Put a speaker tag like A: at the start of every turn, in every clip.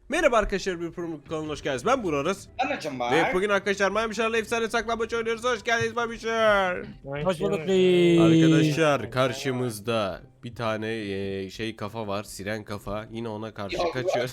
A: Merhaba arkadaşlar, bir promo kanalına hoş geldiniz. Ben Burak
B: Anacım bak.
A: ve bugün arkadaşlar Maymışlar'la efsane saklambaç oynuyoruz. Hoş geldiniz Maymışlar.
C: Hoş bulduk reis.
A: Arkadaşlar karşımızda bir tane kafa var, siren kafa. Yine ona karşı kaçıyoruz.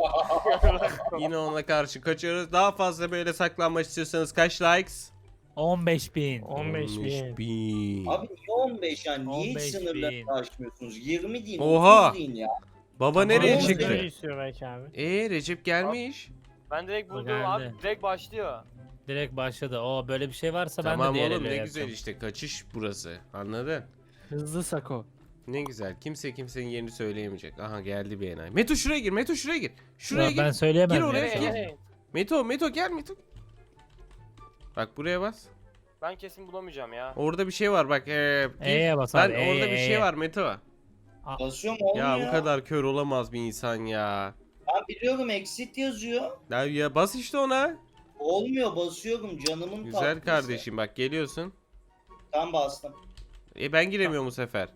A: Yine ona karşı kaçıyoruz. Daha fazla böyle saklanmaç istiyorsanız kaç likes?
C: 15.000.
A: 15.000.
B: Abi niye 15 yani? Niye hiç
C: 15
B: sınırları
C: bin.
B: aşmıyorsunuz? 20 deyin,
A: Oha.
B: 30 deyin ya.
A: Baba nereye
B: Tamam,
A: çıktı?
D: Öyle istiyor belki abi.
A: Recep gelmiş.
D: Ben direkt buldum
C: geldi.
D: abi. Direkt başlıyor.
C: Direkt başladı. O böyle bir şey varsa
A: Tamam
C: ben de diğer
A: oğlum,
C: ele
A: ne güzel
C: yapacağım.
A: işte, kaçış burası. Anladın?
D: Hızlı Sako.
A: Ne güzel. Kimse kimsenin yerini söyleyemeyecek. Aha geldi bir enayi. Meto şuraya gir. Meto şuraya gir. Şuraya
C: Ben
A: gir.
C: söyleyemem.
A: Gir oraya,
C: ya.
A: gir.
D: Nereye?
A: Meto gel Meto. Bak buraya bas.
D: Ben kesin bulamayacağım ya.
A: Orada bir şey var bak. Gir.
C: E'ye bas
A: Lan
C: abi.
A: orada bir şey var Meto.
B: Basıyorum olmuyor.
A: Ya bu kadar kör olamaz bir insan ya.
B: Ben biliyorum exit yazıyor.
A: Ya bas işte ona.
B: Olmuyor, basıyorum canımın
A: Güzel
B: tatlısı.
A: kardeşim, bak geliyorsun.
B: Tam bastım.
A: Ben giremiyorum bu sefer.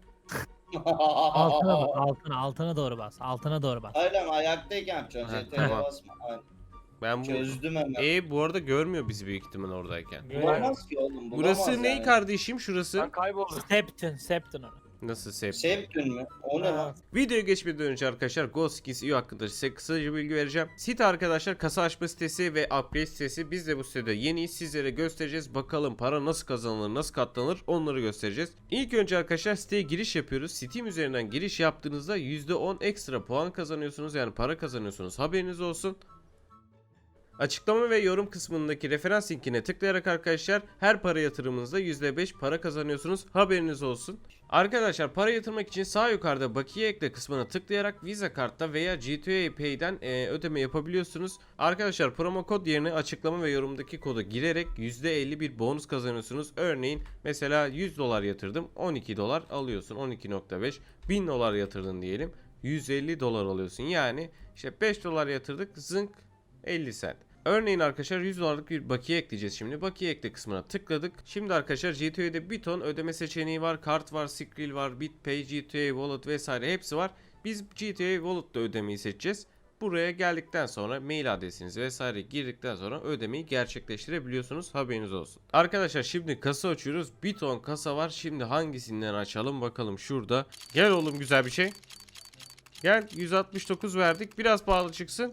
C: Altına bas. Altına doğru bas. Altına doğru bas.
B: Öyle mi? Ayaktayken yapacaksın.
A: Ha,
B: CTR'ye
A: tamam.
B: basma. Aynen.
A: Ben bu
B: Çözdüm hemen.
A: Bu arada görmüyor bizi büyük ihtimal oradayken.
B: Bulamaz ki oğlum. Bulamaz
A: Burası ne
B: yani.
A: kardeşim, şurası?
D: Ben kayboldum.
C: Septon onu.
A: Nasıl sep?
B: Septün mü? O ne lan?
A: Videoya geçmeden önce arkadaşlar Ghost Skins EU hakkında size kısaca bilgi vereceğim. Site arkadaşlar kasa açma sitesi ve upgrade sitesi. Biz de bu sitede yeniyiz, sizlere göstereceğiz. Bakalım para nasıl kazanılır, nasıl katlanır, onları göstereceğiz. İlk önce arkadaşlar siteye giriş yapıyoruz. Steam üzerinden giriş yaptığınızda %10 ekstra puan kazanıyorsunuz, yani para kazanıyorsunuz, haberiniz olsun. Açıklama ve yorum kısmındaki referans linkine tıklayarak arkadaşlar her para yatırımınızda %5 para kazanıyorsunuz, haberiniz olsun. Arkadaşlar para yatırmak için sağ yukarıda bakiye ekle kısmına tıklayarak Visa kartla veya GTA Pay'den ödeme yapabiliyorsunuz. Arkadaşlar promo kod yerine açıklama ve yorumdaki kodu girerek %50 bir bonus kazanıyorsunuz. Örneğin mesela 100 dolar yatırdım, 12 dolar alıyorsun, 12.5. 1000 dolar yatırdın diyelim, 150 dolar alıyorsun. Yani işte 5 dolar yatırdık, zınk 50 cent. Örneğin arkadaşlar 100 dolarlık bir bakiye ekleyeceğiz şimdi. Bakiye ekle kısmına tıkladık. Şimdi arkadaşlar GTA'de bir ton ödeme seçeneği var. Kart var, Skrill var, BitPay, GTA Wallet vesaire hepsi var. Biz GTA Wallet'ta ödemeyi seçeceğiz. Buraya geldikten sonra mail adresinizi vesaire girdikten sonra ödemeyi gerçekleştirebiliyorsunuz, haberiniz olsun. Arkadaşlar şimdi kasa açıyoruz. Bir ton kasa var. Şimdi hangisinden açalım bakalım, şurada. Gel oğlum, güzel bir şey. Gel, 169 verdik. Biraz pahalı çıksın.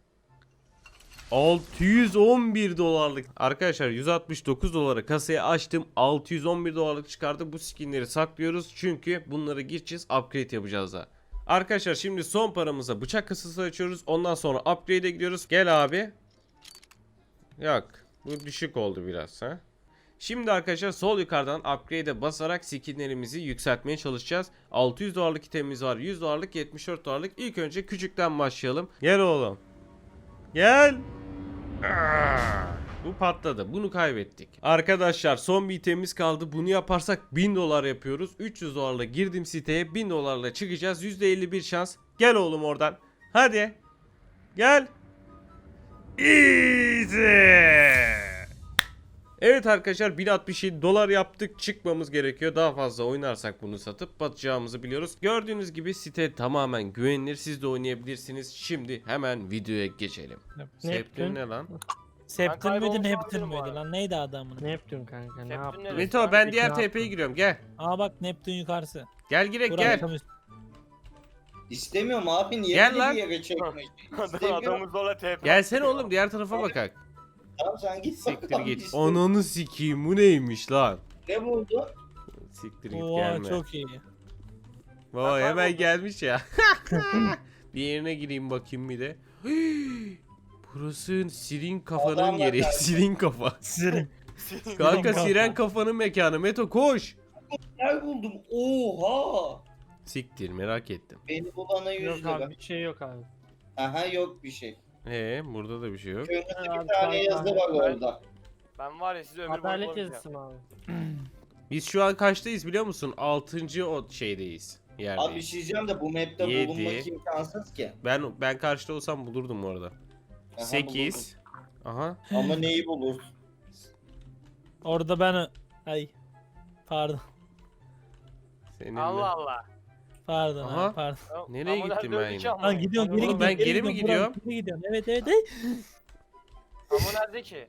A: 611 dolarlık. Arkadaşlar 169 dolara kasayı açtım. 611 dolarlık çıkardı. Bu skinleri saklıyoruz. Çünkü bunları gireceğiz. Upgrade yapacağız da. Arkadaşlar şimdi son paramıza bıçak kasası açıyoruz. Ondan sonra upgrade'e gidiyoruz. Gel abi. Yok. Bu düşük oldu biraz ha. Şimdi arkadaşlar sol yukarıdan upgrade'e basarak skinlerimizi yükseltmeye çalışacağız. 600 dolarlık itemimiz var. 100 dolarlık, 74 dolarlık. İlk önce küçükten başlayalım. Gel oğlum. Gel. Bu patladı. Bunu kaybettik. Arkadaşlar son bir itemimiz kaldı. Bunu yaparsak 1000 dolar yapıyoruz. 300 dolarla girdim siteye. 1000 dolarla çıkacağız. %51 şans. Gel oğlum oradan. Hadi. Gel. Easy. Evet arkadaşlar 1067 dolar yaptık. Çıkmamız gerekiyor. Daha fazla oynarsak bunu satıp batacağımızı biliyoruz. Gördüğünüz gibi site tamamen güvenilir. Siz de oynayabilirsiniz. Şimdi hemen videoya geçelim. Septim ne lan?
C: Septon
D: Ben
C: müydü,
D: kaybolmuş
C: Neptün
D: olabilirim
C: müydü
D: abi.
C: lan? Neydi adamın?
E: Neptün kanka ne
D: Neptün
E: yaptın?
D: neresi?
A: Meto ben diğer
E: ne
A: TP'ye
E: yaptın?
A: giriyorum, gel.
C: Aa bak, Neptün yukarısı.
A: Gel girek
C: Burak
A: gel.
C: tam üst.
B: İstemiyorum abi. Niye
A: Gel
B: beni
A: lan.
B: bir yere çekmek? İstemiyorum.
D: Adamı zorla TP.
A: Gelsene oğlum, diğer tarafa bakak.
B: Tamam sen git
A: Siktir
B: bakalım.
A: git.
B: İstemiyorum.
A: Ananı sikeyim, bu neymiş lan?
B: Ne buldun?
A: Siktir git,
C: Oha
A: gelme.
C: çok iyi.
A: Vay
D: Ben
A: hemen
D: kayboldum.
A: gelmiş ya. Bir yerine gireyim bakayım bir de. Burası sirin kafanın
B: Adamlar
A: yeri.
B: geldi.
A: Sirin kafa.
C: Sirin.
A: Kanka
C: kafa.
A: siren kafanın mekanı. Meto koş.
B: Ne buldum? Oha!
A: Siktir, merak ettim.
B: Beni bulana 100
E: Yok
B: lira.
E: abi bir şey yok abi.
B: Aha yok bir şey.
A: Burada da bir şey yok.
B: Kırmızı
E: Abi,
B: bir tane
E: tamam,
B: yazı var
E: tamam.
B: orada.
D: Ben var ya sizi ömür boyu
E: Adalet
D: bulamayacağım.
E: yazısı mı abi?
A: Biz şu an kaçtayız biliyor musun? 6. o şeydeyiz.
B: Abi bir
A: Yerdeyiz.
B: şey diyeceğim de bu map'te
A: 7.
B: bulunmak imkansız ki.
A: Ben karşıda olsam bulurdum bu arada.
B: Aha,
A: 8. Aha.
B: Ama neyi bulur?
C: Orada ben... Ay. Pardon.
A: Seninle.
D: Allah Allah.
C: Pardon
A: Aha.
C: abi pardon.
A: Nereye
D: Ama
A: gittim
D: nerede
A: ben
D: öldü
A: yine?
D: ki ama?
C: Lan gidiyorum geri
A: Oğlum
C: gidiyorum.
A: ben geri mi gidiyorum?
C: Geri gidiyorum. Evet evet evet.
D: Ama nerede ki?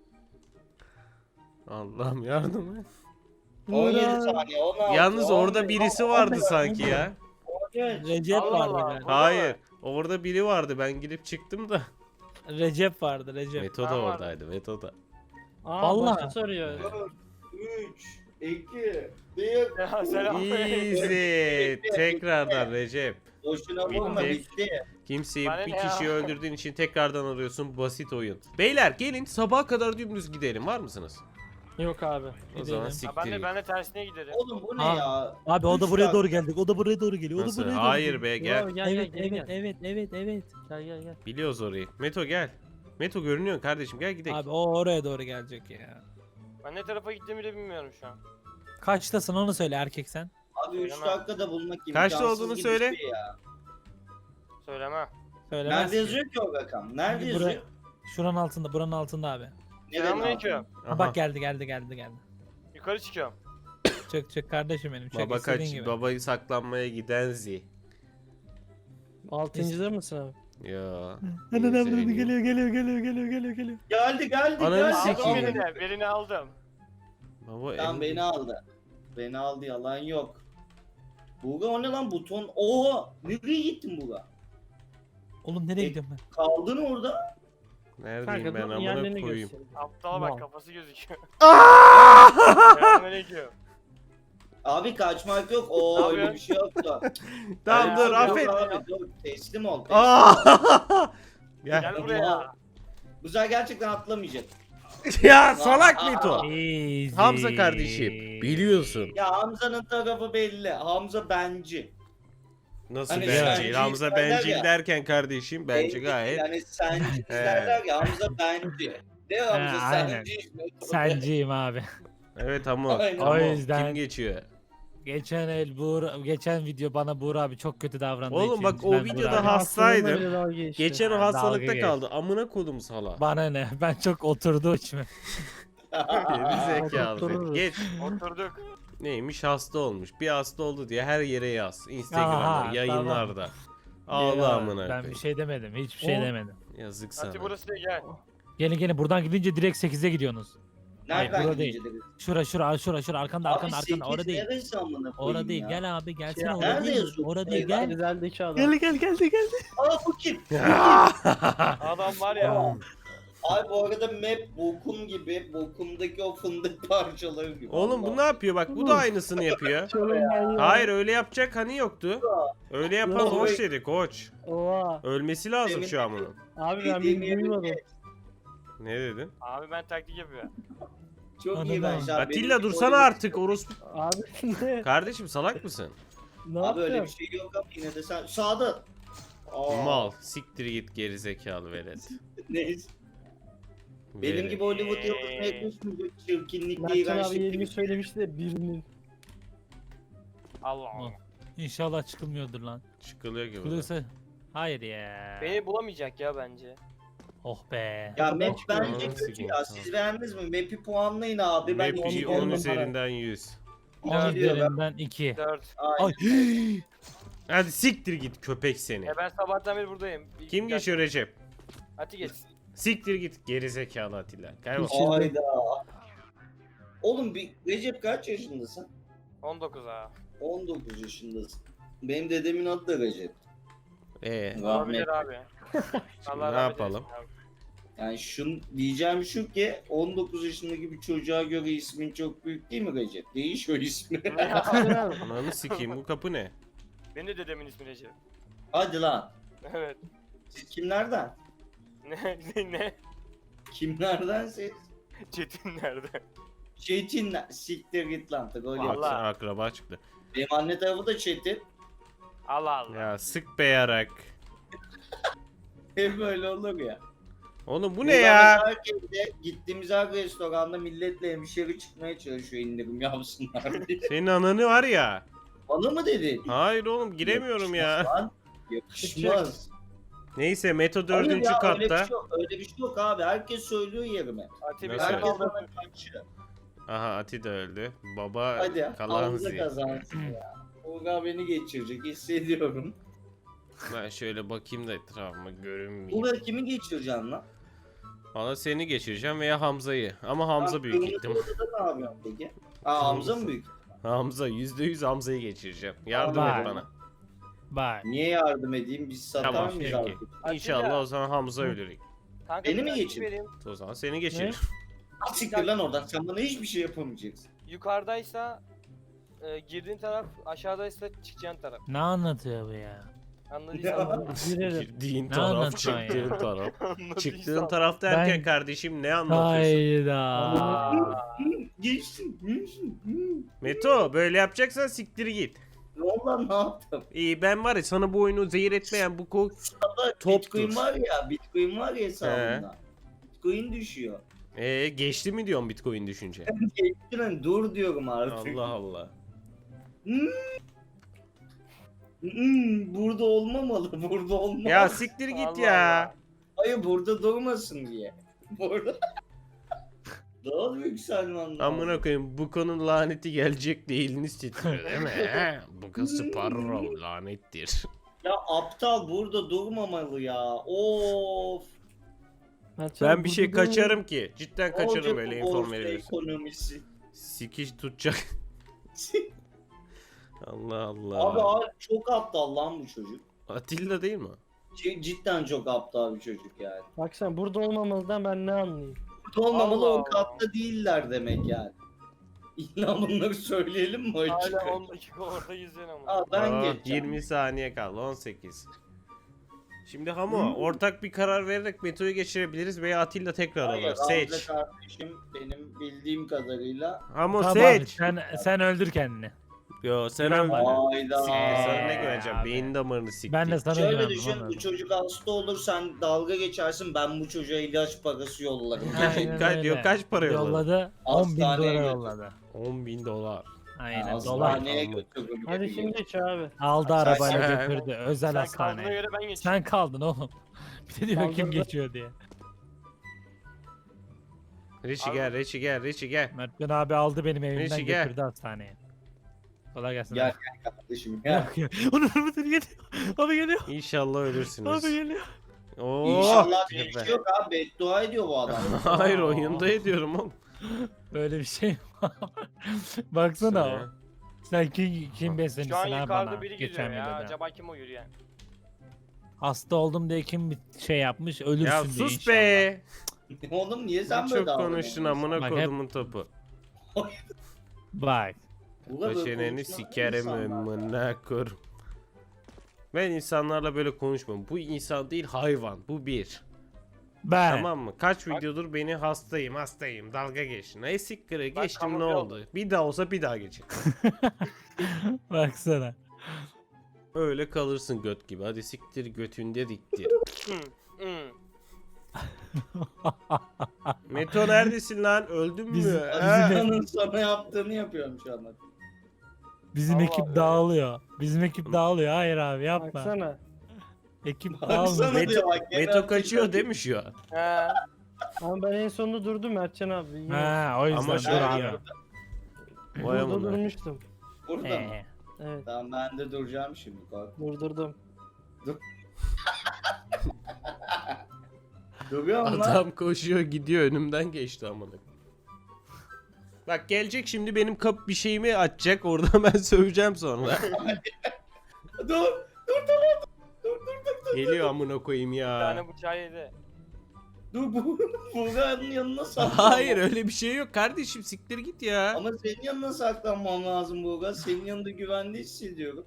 A: Allah'ım yardım et.
B: 17 saniye 16.
A: Yalnız orada
B: 11,
A: birisi vardı
B: 14,
A: sanki ya.
B: 13.
C: Recep
D: Allah
C: vardı
D: Allah.
C: galiba.
D: Burada
A: Hayır.
D: mı?
A: Orada biri vardı. Ben girip çıktım da.
C: Recep vardı Recep.
A: Meto da
D: Tamam.
A: oradaydı. Meto da.
E: Aa,
C: Vallahi.
E: başka soruyor.
B: 4, 3, 2, 1.
D: Ya selam.
A: Easy. Tekrardan Recep.
B: Boşuna
A: Bitti.
B: vurma bitti.
A: Kimseyi
D: Bana
A: bir
D: ne ya?
A: kişiyi öldürdüğün için tekrardan arıyorsun. Basit oyun. Beyler gelin sabaha kadar dümdüz gidelim. Var mısınız?
E: Yok abi.
A: O zaman
C: Gidelim.
D: Ha,
A: siktir
D: ben de
A: git.
D: ben de tersine giderim.
B: Oğlum bu ne
C: Abi,
B: ya?
C: Abi o da
B: Üç
C: buraya
B: dakika.
C: doğru geldik. O da buraya doğru geliyor. O da
A: Nasıl?
C: buraya doğru
A: Hayır
C: geliyor.
A: be gel.
E: Gel,
C: Evet
E: gel,
C: evet
E: gel.
C: evet evet evet.
E: Gel gel gel.
A: Biliyoruz orayı. Meto gel. Meto görünüyor kardeşim gel gidelim.
C: Abi o oraya doğru gelecek ya.
D: Ben ne tarafa gittiğimi de bilmiyorum şu an.
C: Kaçtasın onu söyle erkek sen.
B: Abi 3
D: Söylemem.
B: dakikada bulmak gibi.
A: Kaçta olduğunu söyle.
D: Söylemem.
C: Söylemez
B: Nerede
C: ki.
B: yazıyor ki o rakam? Nerede
C: Buraya-
B: yazıyor?
C: Şuranın altında buranın altında abi.
B: Nereden
D: Selamünaleyküm.
B: aldın?
A: Aha.
C: Bak geldi.
D: Yukarı çıkıyorum.
C: Çık kardeşim benim. Çık
A: Baba
C: istediğin
A: kaç.
C: gibi.
A: Babayı saklanmaya giden Zi.
E: 6.'da mısın abi?
A: Ya.
C: Geliyor.
B: Geldi
A: Ananı
B: geldi.
A: sikeyim.
D: Aldım
A: Sikiyim.
D: birini aldım.
A: Baba
B: Tamam
A: en-
B: beni aldı. Beni aldı yalan yok. Buga o ne lan buton? Oha! Nereye gittin Buga?
C: Oğlum nereye gidiyorum ben?
B: Kaldın orada.
A: Neredeyim
E: Kanka
A: ben
E: dur
A: amına
E: yerlerini
A: koyayım.
E: göstereyim.
D: Aptala
E: Mal.
D: bak kafası gözüküyor.
A: Aa!
D: Selamünaleyküm.
B: Abi kaçmak yok. Oo
D: Ne
B: öyle bir
D: yapıyorsun?
B: şey yoktu.
A: Tamam
B: Öyle
A: dur
B: bir şey yok
A: affet.
B: Abi, dur. Teslim ol.
A: Aa! Ya,
D: Gel buraya.
B: Bu sefer gerçekten atlamayacak.
A: ya salak Meto.
C: Easy.
A: Hamza kardeşim biliyorsun.
B: Ya Hamza'nın tarafı belli. Hamza benci.
A: Nasıl
B: Hani
A: bencil?
B: bencil
A: Hamza
B: derler
A: bencil
B: ya.
A: derken kardeşim bence
B: Benci,
A: gayet.
B: Yani senci
A: He.
B: derler ya Hamza benci. Ne Hamza
C: aynen.
B: senci.
C: Senciyim abi.
A: Evet ama
B: Aynen.
C: O
A: ama
C: yüzden-
A: kim geçiyor?
C: Geçen video bana Buğra abi çok kötü davrandı.
A: Oğlum bak, o
C: Ben
A: videoda
C: Buğra abi-
A: hastaydım.
E: Aslında bile dalga geçti.
A: Geçen o
C: Ha,
A: hastalıkta
C: dalga
A: kaldı. Amına kodum sala.
C: Bana ne? Ben çok oturdu içime.
A: Geri zekalı seni.
E: Otururuz.
A: Geç.
D: Oturduk.
A: Neymiş hasta olmuş. Bir hasta oldu diye her yere yaz. Instagram'da,
C: Aha,
A: yayınlarda. Ağla amına
C: Ben
A: koyayım.
C: bir şey demedim. Hiçbir şey
E: O-
C: demedim.
A: Yazık
D: Hadi
A: sana.
D: burası da gel.
C: Gelin buradan gidince direkt 8'e gidiyorsunuz.
B: Nereden
C: Hayır, burada
B: gideceğiz?
C: Şura arkanda arkanda orada değil.
B: Neresi amına koyayım
C: Orada değil.
B: ya?
C: Gel abi gelsene
E: Ya,
C: orada
B: nerede
C: değil.
B: yazıyor?
C: Orada değil
B: Gel.
C: gel.
E: Güzeldeki adam.
C: Geldi.
B: Aa bu kim?
D: Adam var ya.
B: Ay bu arada map bokum gibi. Bokumdaki o fındık parçaları gibi.
A: Oğlum bu ne yapıyor? Bak bu da aynısını yapıyor.
E: Çölünden
A: Hayır öyle yapacak hani yoktu. Öyle yapan
B: Yok.
A: hoş dedi koç.
E: Oha.
A: Ölmesi lazım şu an bunun.
E: Abi ben beni duymadım.
A: Ne dedin?
D: Abi ben taktik yapıyorum.
B: Çok
C: Anladım.
B: iyi ben şu an.
A: Atilla
B: Benim
A: dursana
B: öyle-
A: artık orospu.
E: Abi ne?
A: Kardeşim salak mısın?
E: Ne
B: Abi öyle bir
E: yaptın?
B: şey yok ama yine de sen sağda. Aa,
A: Mal. Siktir git geri zekalı velet.
B: Neyse. Benim
A: Velet.
B: gibi Hollywood yıldızına yakışmayacak çirkinlik,
E: Mertcan abi
B: iğrençlik.
E: yerini söylemişti de birinin.
D: Allah Allah.
C: İnşallah çıkılmıyordur lan.
A: Çıkılıyor gibi.
C: Çıkılırsa hayır ya.
D: Beni bulamayacak ya bence.
C: Oh be.
B: Ya map bence
A: Ananı
B: kötü
A: sikeyim,
B: ya.
A: tamam.
B: Siz beğendiniz mi? Map'i puanlayın abi. Ben
A: Map'i
B: iki
A: 10
B: diyorum.
A: üzerinden 100.
C: 10
B: gidiyor ben.
C: üzerinden 2.
D: 4.
B: Ay.
C: Ay.
A: Hadi siktir git köpek seni.
D: Ben sabahtan beri buradayım.
A: Kim geçiyor Recep?
D: Hadi geç.
A: Siktir git geri zekalı Atilla. Kaybol.
B: Hayda. Oğlum bir Recep kaç yaşındasın?
D: 19 ha.
B: 19 yaşındasın. Benim dedemin adı da Recep.
A: Rahmet.
D: Olabilir abi. Allah
A: ne
D: rahmet
A: yapalım?
D: eylesin abi.
B: Yani şun diyeceğim şu ki 19 yaşındaki bir çocuğa göre ismin çok büyük değil mi Recep? Değiş o ismi.
A: Ananı sikeyim bu kapı ne?
D: Benim de dedemin ismi Recep.
B: Hadi lan.
D: Evet.
B: Siz kimlerden?
D: Ne?
B: Kimlerden siz?
D: Çetin nerede?
B: Çetinler. Siktir git lan. Öyle
D: Vallahi.
B: yap.
A: Baksana akraba çıktı.
B: Benim anne tarafı da Çetin.
D: Allah Allah.
A: Ya sık be yarak.
B: Hep böyle olur ya.
A: Oğlum bu ne
B: Buradan
A: ya?
B: mesela herkese gittiğimiz her restoranda milletle hemşeri çıkmaya çalışıyor indirim yapsınlar diye.
A: Senin ananı var ya.
B: Bana mı dedin?
A: Hayır oğlum giremiyorum ya.
B: Yakışmaz lan. Yakışmaz.
A: Neyse Meto
B: Hayır
A: 4.
B: ya, Öyle bir,
A: katta.
B: şey yok, öyle bir şey yok abi. Herkes söylüyor yerime.
D: Ati bir
A: Nasıl?
D: şey
B: Herkes
D: kaldı.
B: bana kaçıyor.
A: Aha Ati de öldü. Baba
B: Hadi
A: kalan
B: Hamza
A: zi.
B: kazansın ya. Buğra beni geçirecek hissediyorum.
A: Ben şöyle bakayım da etrafıma görünmeyeyim.
B: Buğra kimi geçireceksin lan?
A: Valla seni geçireceğim veya Hamza'yı. Ama Hamza büyük
B: Kırmızı
A: ihtimal.
B: odada ne yapıyorsun peki? Aa Hamza mı büyük?
A: Hamza %100 Hamza'yı geçireceğim. Yardım
C: Vay.
A: et bana.
C: Bak.
B: Niye yardım edeyim? Biz satar
A: Tamam
B: mıyız
A: peki.
B: abi?
A: İnşallah o zaman Hamza ölür.
D: Kanka
B: Beni
D: bir
B: mi
D: dakika
B: geçin?
D: vereyim.
A: O zaman seni geçirir.
B: Siktir lan oradan. Sen bana hiçbir şey yapamayacaksın.
D: Yukarıdaysa girdiğin taraf, aşağıdaysa çıkacağın taraf.
C: Ne anlatıyor bu ya?
D: Anladıysan.
E: Girelim.
A: Girdiğin
C: Ne
A: taraf,
C: anlatıyorsun ya?
A: çıktığın taraf.
D: Anladıysan.
A: Çıktığın taraf derken
C: Ben-
A: kardeşim ne anlatıyorsun?
C: Hayda.
D: Aa,
B: Geçtin. geçtin.
A: Meto böyle yapacaksan siktir git.
B: Ne oldu lan ne yaptım?
A: İyi ben var ya sana bu oyunu zehir etmeyen bu
B: Bitcoin
A: toptur.
B: var ya. Bitcoin var ya hesabında. Bitcoin düşüyor.
A: Geçti mi diyorsun Bitcoin düşünce?
B: Geçtin lan dur diyorum artık.
A: Allah Allah.
B: Burada olmamalı. Burada olmamalı.
A: Ya siktir git
D: Allah
A: ya.
D: Allah.
B: Hayır burada durmasın diye. Burada. Daha büyük Selman.
A: Amına koyayım bu konunun laneti gelecek de eliniz titriyor değil mi? He? Bu kız Sparrow lanettir.
B: Ya aptal burada durmamalı ya. Of.
E: Mertcan,
A: Ben bir şey
E: burada durma.
A: kaçarım ki. Cidden
B: Olacak
A: kaçarım böyle
B: bu
A: inform
B: borsa
A: verilirse.
B: ekonomisi.
A: Sikiş tutacak. Allah
B: Abi
A: Allah.
B: abi çok aptal lan bu çocuk.
A: Atilla değil mi?
B: Cidden çok aptal bir çocuk yani.
E: Bak sen burada olmamalıdan ben ne anlayayım?
B: Burada olmamalı
D: Allah
B: o katta değiller demek yani. İlla bunları söyleyelim mi açık?
D: Hala 10 dakika orada yüzüyorsun ama.
B: Aa, ben
A: Aa,
B: geçeceğim.
A: 20 saniye kaldı 18. Şimdi Hamo ortak bir karar vererek Meto'yu geçirebiliriz veya Atilla tekrar
B: Hayır,
A: alır.
B: Hamza
A: Seç.
B: kardeşim benim bildiğim kadarıyla.
A: Hamo
C: Tamam,
A: seç.
C: sen öldür kendini.
A: Yo sen
C: Ben
A: öldün.
C: varım.
B: Hayda.
A: Sana ne
C: Abi.
A: göreceğim? Beyin damarını sikti.
C: Ben de sana
B: Şöyle
C: güvendim.
B: düşün
C: anladım.
B: bu çocuk hasta olur sen dalga geçersin ben bu çocuğa ilaç parası yollarım.
C: Aynen
A: Kaç-
C: öyle.
A: diyor, kaç para yolladı?
C: Yolladı. 10.000
B: Hastaneye
C: dolar
B: götür.
C: yolladı.
A: 10.000 dolar.
C: Aynen dolar.
B: Hastaneye götürür.
E: Hadi
B: gibi
E: şimdi
B: geliyor.
E: geç abi.
C: Aldı
B: Sen-
C: arabayla
A: sen-
C: götürdü. Özel
D: Sen kaldığına
C: hastaneye.
D: göre ben geçeyim.
C: Sen kaldın oğlum. Bir de diyor kim
E: Kaldırdı.
C: geçiyor diye.
A: Reçi
D: Abi-
A: gel, Reçi gel, Reçi gel.
C: Mertcan abi aldı benim evimden
A: Neyse, gel.
C: götürdü hastaneye. Kolay gelsin.
B: Gel gel kardeşim ya.
C: Yok ya. Onun arabası geliyor. Abi geliyor.
A: İnşallah ölürsünüz.
C: Abi geliyor.
A: Oo.
B: İnşallah bir şey yok abi beddua ediyor bu adam.
A: Hayır oyunda ediyorum oğlum.
C: Böyle bir şey var. Baksana.
A: Şöyle.
C: Sen kim beslemişsin
D: Şu an
C: ha
D: yukarıda
C: bana
D: biri
C: geçen
D: gidiyor ya.
C: videoda.
D: Acaba kim o yürüyen?
C: Hasta oldum diye kim bir şey yapmış ölürsün
A: Ya
C: diye
A: sus
C: inşallah.
A: be.
B: Oğlum niye sen
A: Sen
B: böyle
A: çok konuştun amına
C: Bak,
A: kodumun topu.
C: Bak.
A: Başeneni sikerim amına korum. Ben insanlarla böyle konuşmam. Bu insan değil hayvan. Bu bir.
C: Ben.
A: Tamam mı? Kaç videodur beni hastayım dalga geç. Ne sikkire
D: Bak,
A: geçtim ne
D: kamufle
A: oldu? Bir daha olsa bir daha geçin.
C: Baksana.
A: Öyle kalırsın göt gibi. Hadi siktir götünde diktir.
D: Hı, hı.
A: Meto neredesin lan? Öldün mü?
C: Bizim-
A: Ha?
B: Onun sana yaptığını yapıyorum şu anda.
C: Bizim
D: Allah
C: ekip
D: Allah.
C: dağılıyor. Bizim ekip dağılıyor. Hayır abi yapma.
E: Baksana.
C: Ekip
B: Baksana
C: dağılmıyor.
B: diyor bak. gene
A: Meto
B: atıyor.
A: kaçıyor değil mi şu an?
D: He.
E: Ama ben en sonunda durdum Mertcan abi. Yine
C: Ha o yüzden
A: Ama
C: dur
A: şey
C: abi.
A: ya. Vay
E: burada
A: amına.
E: durmuştum.
B: Burada mı?
E: Evet
B: Tamam ben de duracağım şimdi kork.
E: durdurdum.
B: Duruyor mu lan?
A: Adam koşuyor gidiyor önümden geçti amına. Bak gelecek şimdi benim kap bir şeyimi açacak orada ben söveceğim sonra.
B: Dur.
A: Geliyor amına koyayım
D: Bir
A: ya.
D: tane bıçağı yedi.
B: Dur bu. Buğra'nın yanına saklanmam.
A: Hayır öyle bir şey yok kardeşim siktir git ya.
B: Ama senin yanına saklanmam lazım Buğra. Senin yanında güvende hissediyorum.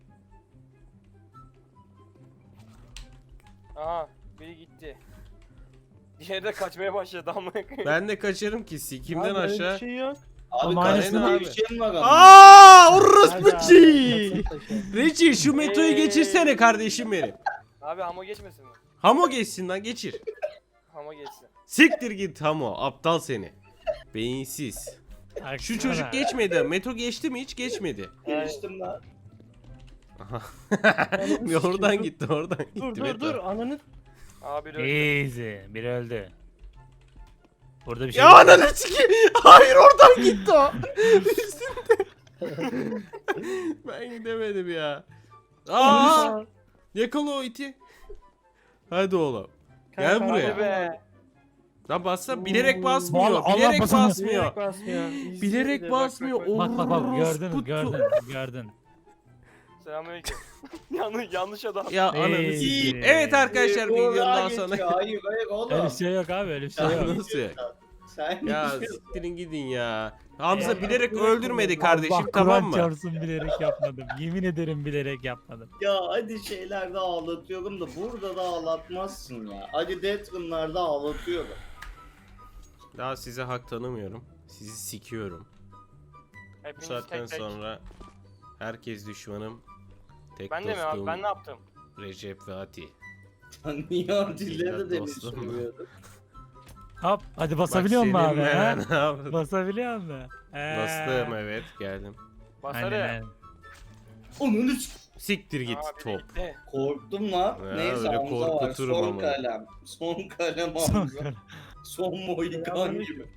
D: Aha biri gitti. Diğeri de kaçmaya başladı ama.
A: Ben de kaçarım ki sikimden
E: Abi, öyle
A: aşağı.
E: Bir şey yok.
B: Abi
C: Ama
B: karşısında
A: aynısını
B: bir
A: abi.
B: şey mi var ama?
A: Aaaa
E: Hadi
A: orospu
E: abi,
A: çiğ.
E: taşı, taşı.
A: Reci şu Meto'yu geçirsene kardeşim benim.
D: Abi Hamo geçmesin mi?
A: Hamo geçsin lan geçir.
D: Hamo geçsin.
A: Siktir git Hamo aptal seni. Beyinsiz.
C: Baksana.
A: Şu çocuk geçmedi. Meto geçti mi hiç geçmedi.
B: Geçtim lan.
A: Aha.
E: Ananı
A: Bir oradan
E: sikeyim,
A: gitti oradan gitti.
E: Dur dur
A: Meto.
E: dur ananı.
D: Abi öldü.
C: Easy. Biri öldü. Burada bir şey
A: Ya ananı sikeyim. Hayır oradan gitti o. Üstünde. Ben gidemedim ya. Aa! Yakala o iti. Hadi oğlum. Gel
E: Kanka,
A: buraya.
D: Hadi be.
A: Lan bassa bilerek basmıyor.
C: Vallahi Allah
A: Bilerek
C: basamıyor.
A: basmıyor.
E: Bilerek basmıyor. İzliyor
A: Bilerek
E: bir de,
A: basmıyor.
C: Bak bak bak gördün
A: Orospu
C: gördün.
D: Selamünaleyküm. Yanlış adam.
A: Ya ananı
C: Ey.
A: sikeyim. Evet arkadaşlar
B: Buğra
A: videodan
B: geçiyor.
A: sonra.
B: Hayır oğlum.
C: Öyle bir şey yok abi öyle bir şey
B: Sen
C: yok.
A: Nasıl?
B: Sen
A: Ya
B: geçiyorsun.
A: siktirin gidin ya. Hamza
C: Ya,
A: bilerek
E: bilerek
A: öldürmedi
E: oldu.
A: kardeşim,
C: Allah
A: tamam
C: Kur'an
A: mı?
C: çarpsın bilerek yapmadım. Yemin ederim bilerek yapmadım.
B: Ya hadi şeylerde ağlatıyorum da burada da ağlatmazsın ya. Hadi Deathroom'larda ağlatıyorum.
A: Daha size hak tanımıyorum. Sizi sikiyorum. Bu
D: Hepiniz
A: saatten
D: tek tek.
A: sonra herkes düşmanım. Tek
D: Ben de mi abi?
A: dostum
D: Ben ne yaptım?
A: Recep ve Ati.
B: Sen niye Atilla'da da
A: Dostum.
B: söylüyordun?
C: Hop hadi basabiliyor musun abi?
A: Bak
C: Ha?
A: senin ben- ne yaptın?
C: Basabiliyor musun?
A: Bastım evet geldim.
D: Basarı.
C: Aynen.
B: Onunu s-
A: Siktir git
D: Aa, biri
A: top.
D: gitti.
B: korktum lan.
A: Ya,
B: Neyse
A: öyle
B: Hamza var.
A: korkuturum
B: Son
A: ama.
B: kalem. Son kalem Hamza. Son Mohikan gibi.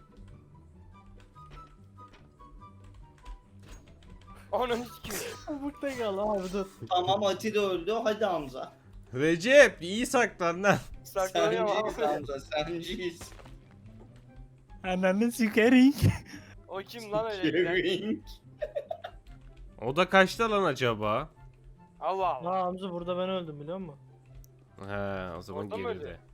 D: Onun hiç kim?
E: Çabukta kal abi dur.
B: Tamam Ati de öldü. Hadi Hamza.
A: Recep iyi saklan lan.
D: Saklanıyor
B: Senciyiz
D: abi.
B: Hamza. Senciyiz.
C: Ananı sikerik.
D: O kim lan öyle giden?
B: Kering.
A: O da kaçta lan acaba?
D: Allah Allah.
E: Ha Hamza burada ben öldüm biliyor musun?
A: He o zaman
D: Orada mı öldü?
A: geride.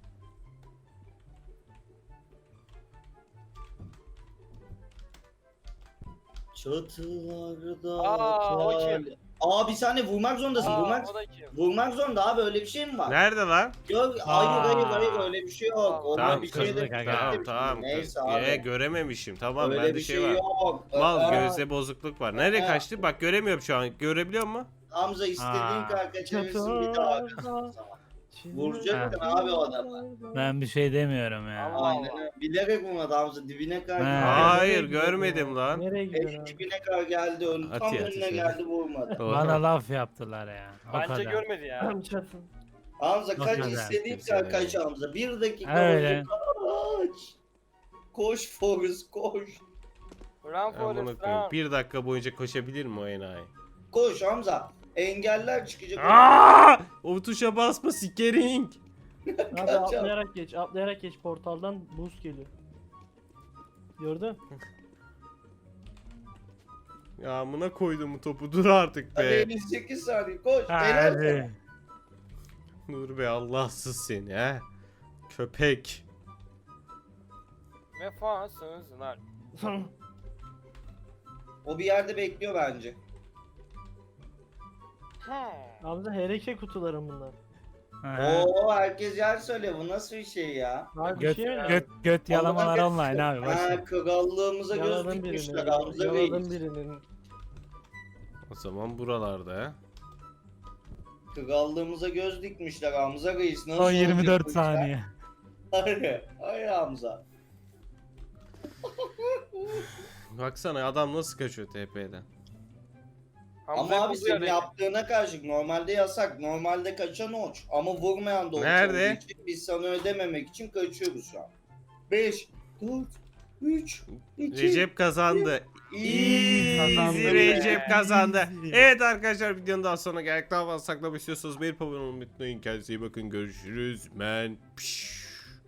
B: Çatılarda
D: Aa, o
B: kal-
D: kim?
B: Aa bir saniye vurmak zorundasın.
D: Aa,
B: Vurmak
D: o da kim?
B: vurmak zorunda abi öyle bir şey mi var?
A: Nerede lan?
B: Yok hayır öyle bir şey yok. Ona
A: Tamam
B: bir
A: kız,
B: şey de
C: kanka.
A: tamam.
B: Neyse abi.
A: Görememişim. Tamam
B: öyle
A: bende
B: bir
A: şey var.
B: yok.
A: Mal
B: Aa,
A: gözde bozukluk var. Nereye
B: Aa.
A: kaçtı? Bak göremiyorum şu an. Görebiliyor musun?
B: Hamza istediğin
C: Aa.
B: kadar kaçırırsın bir daha kaçırsın. Vuracaktın abi o adamı.
C: Ben bir şey demiyorum ya.
D: Allah.
B: Aynen öyle. Bilerek vurmadı Hamza dibine kadar
C: Ha.
B: geldi.
A: Hayır
E: Nereye
A: görmedim
E: gidiyor
A: lan.
E: Nereye gidiyor
B: Elin
E: abi?
B: dibine kadar geldi ön. Tam
A: Ati,
B: önüne
A: ati.
B: geldi vurmadı.
C: Bana laf yaptılar ya. O
D: Bence
C: kadar.
D: görmedi ya.
E: Tam çatın.
B: Hamza
C: Bak
B: kaç
C: hadi.
B: istediğin
A: Kimse
B: kadar kaç
A: öyle.
B: Hamza. Bir dakika
C: Öyle.
B: boyunca kaç. Koş Forrest koş.
D: Run
A: Ben
D: Forrest
A: bunu koyayım.
D: run.
A: 1 dakika boyunca koşabilir mi o enayi?
B: Koş Hamza. Engeller çıkacak.
A: Aa! O tuşa basma sikering.
E: Abi
B: Kaç abi.
E: atlayarak geç portaldan boost geliyor. Gördün?
A: Ya amına koydum bu topu dur artık
B: Hadi
A: be.
B: 58 saniye koş. Helal sana.
C: Hadi.
A: Dur be Allahsız seni he. Köpek.
D: Vefasızlar.
B: O bir yerde bekliyor bence.
E: Hamza HRK kutularım bunlar.
C: Ha.
B: Oo herkes yer söylüyor. Bu nasıl bir şey ya?
E: Abi
C: Göt,
E: bir şey mi?
C: göt yalamalar online abi. Boş ver.
B: Ha krallığımıza göz
E: Yaladım
B: dikmişler
E: birini.
B: Hamza
E: Yaladım
B: Bey.
E: birinin.
A: O zaman buralarda he.
B: Krallığımıza göz dikmişler Hamza Reis. Nasıl
C: Son 24
B: olacak bu işler?
C: saniye.
B: Hayır Hamza.
A: Baksana adam nasıl kaçıyor TP'den.
B: Ama abi senin yaptığına karşılık normalde yasak. Normalde kaçan oç. Ama vurmayan da oç
A: Nerede?
B: olduğu için biz sana ödememek için kaçıyoruz şu an. 5, 4, 3, 2,
A: Recep kazandı.
B: Kazandı
A: Easy
B: be.
A: Recep kazandı.
C: Easy.
A: Evet arkadaşlar videonun daha sonuna geldik. Daha fazla saklamak istiyorsanız bir abone olmayı unutmayın. Kendinize iyi bakın. Görüşürüz. Ben.